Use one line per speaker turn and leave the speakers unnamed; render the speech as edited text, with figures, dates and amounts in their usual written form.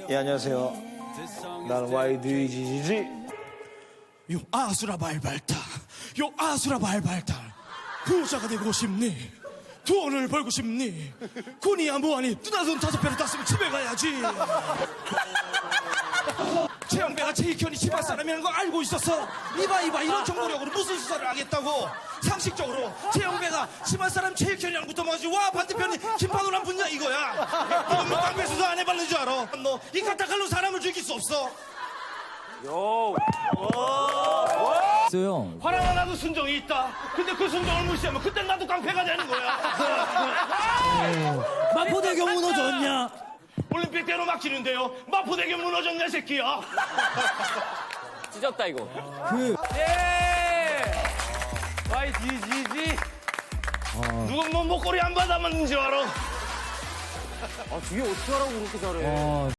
예, 안녕하세요. 나는 YDGGG.
요 아수라 발발타, 요 아수라 발발타. 부자가 되고 싶니? 돈을 벌고 싶니? 군이야 뭐하니? 누나 돈 5배로 땄으면 집에 가야지. 최영배가 최익현이 집안 사람이라는 거 알고 있었어. 이봐 이런 정보력으로 무슨 수사를 하겠다고. 상식적으로 최영배가 집안 사람 최익현이랑 붙어가지고 와 반대편이 김판호랑 붙냐 이거야. 이건 뭐 깡패 수사 안 해봤는 줄 알아. 너 이 카타칼로 사람을 죽일 수 없어.
있어요.
화랑 하나도 순정이 있다. 근데 그 순정을 무시하면 그땐 나도 깡패가 되는 거야.
마포대교 무너졌냐?
올림픽대로 막히는데요. 마포대교 무너졌네 새끼야.
찢었다 이거.
예!
YGGG.
누군 뭐 목걸이 안 받아맞는 줄 알아.
아, 뒤에 어떻게 하라고 그렇게 잘해.